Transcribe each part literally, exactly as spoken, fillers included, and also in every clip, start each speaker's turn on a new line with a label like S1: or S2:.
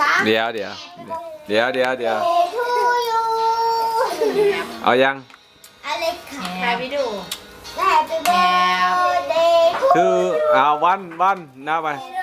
S1: สาม
S2: เดี๋ยวเดี๋ยวเดี๋ยวเดี๋ยวเดี๋ยวเอายัง
S1: อะไรค่ะ
S3: ไปไปดู
S1: Happy birthday
S2: คือเอาวันวันนับไป
S1: Happy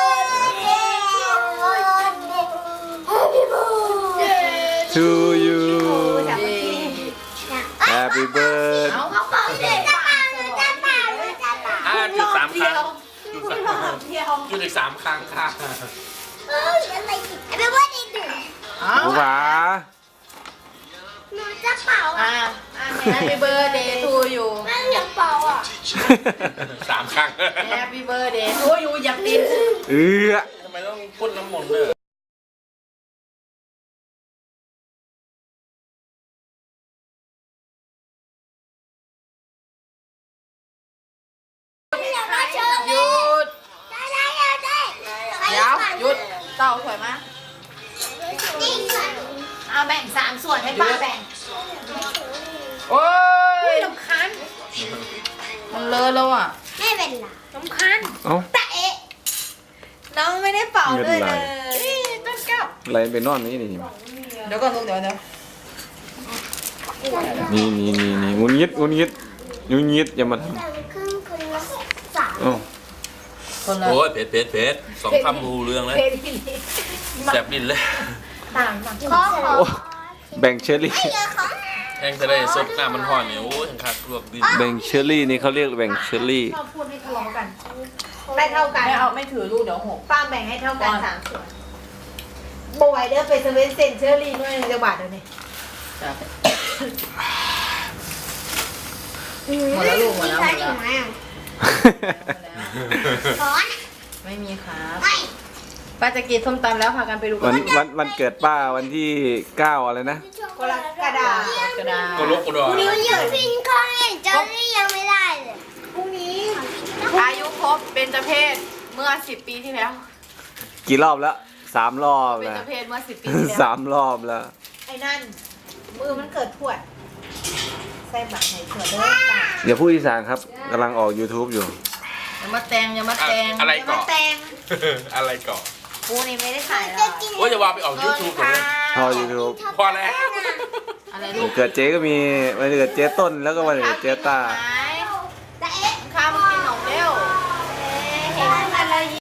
S1: birthday
S2: to you
S3: จับมือ
S2: Happy birthday
S3: เอา
S1: เขาบอกเด็กจะเป่าหรือจะเป่าหรือจะเป่า
S4: อ่าจุดสามครั้งจุด
S3: ห
S4: สาม
S3: ลอดเดียว
S4: จุดอีกสามครั้งค่ะ
S1: เอ้ยอะไรอีก Happy birthday หนึ่ง
S3: เอา
S2: ผู้ผา
S1: หนูจะเป่า
S3: อ่ะ
S1: อ่ะ
S3: อ่ะ Happy birthday to you
S1: แม่อยากเป่าอ่ะ
S4: สามครั้ง
S3: Happy birthday to you อยากติด
S2: เออ
S4: ทำไมต้องพ่นน้ำมนต์ด้วย
S1: อยากมาเชิญ
S3: หยุด
S1: ได้ได้ได้ได้
S3: เดี๋ยวหยุดเต่าถอยมา
S1: นี่ค่ะ
S3: เอาแบ่งสามส่วนให้ป้าแบ่งโอ้ยลำคันมันเลอะแล้วอ่ะ
S1: ไม่เป็นไร
S3: ลำคัน
S2: เอ้า
S1: แต่เอ๊ะ
S3: น้องไม่ได้เป่าด้วย
S2: เงิ
S3: เล
S2: น
S3: ย
S2: ไหล
S3: ต้นแก้ว
S2: อะไรไปนอนนี่นี่
S3: เดี๋ยวก่อนลูกเดี๋ยวเดี๋ยว
S2: นี่นี่นี่นี่งุนยิดงุนยิดงุนยิดอย่ามาท
S1: แต่ครึ่งคนละสาม
S2: ำเอ้า
S3: คนละ
S4: โอ้ยเผ็ดเผ็ดเผ็ดสองคำรูเรื่องเลย
S3: เพลงที่นี่
S4: แสบดินเลย
S3: ต่างต่าง
S1: ขอขอ
S2: โอ้แบ่งเชอรี่
S1: ไม่เยอะของ
S4: แห้งทะเลซดหน้ามันห่อนเนี่ยโอ้ยทั้งคักลวกดิน
S2: แบ่งเชอรี่นี่เขาเรียกแบ่งเชอรี่
S3: ชอบพูดให้ทะเลาะกันได้เท่ากันไม่เอาไม่ถือลูกเดี๋ยวหกป้าแบ่งให้เท่ากันสามส่วนบวยเด้อไปเซเว่นเซนเชอรี่ด้วยจะบาทเดี๋ยวนี้หมดแล้วลูกหมดแล้วหมดแล้ว
S1: มีใครอีกไหมอ่ะขอ
S3: ไม่มีครับ
S1: ไม่
S3: ป้าจะกินส้มตำแล้วพากันไปดูกั
S2: วันวันวันเกิดป้าวันที่เก้าอะไรนะ
S3: กรกฎาคมกระดาษ
S4: ก็ลกก็ดอ
S1: นิ้วยืดพินคอนเห็นเจ้านี่ยังไม่ได้เลย
S3: พรุ่งนี้อายุครบเบญจเพศเมื่อสิบปีที่แล้ว
S2: กี่รอบแล้วสามรอบ
S3: เบญ
S2: แล้
S3: จ
S2: ว
S3: เพศเมื่อสิบปีที่แล้ว
S2: สามรอบแล้ว
S3: ไอ้นั่นมือมันเกิดทวดใส่บัตรให้ทวดเด้อจ้ะ
S2: เดี๋ยวผู้อีสานครับกำลังออก YouTube อยู่
S3: อย่ามาแตงอย่ามาแตง
S4: อะไร
S3: อย่า
S4: ก่
S3: มา
S4: อน
S3: แตง
S4: อะไรก่อน
S3: กูนี่ไม่ได้ขายหร
S1: จะ
S3: อก
S1: กิน
S4: โอ้ยจะวางไปออกยูทูบเลย
S2: พอ YouTube
S4: พอแล้ว
S3: อะไร
S2: วั
S3: ลู
S2: น
S3: ก
S2: เกิดเจ๊ก็มีวันเกิดเจ๊ต้นแล้วก็วันเกิดเจ๊ต้า
S3: ไม่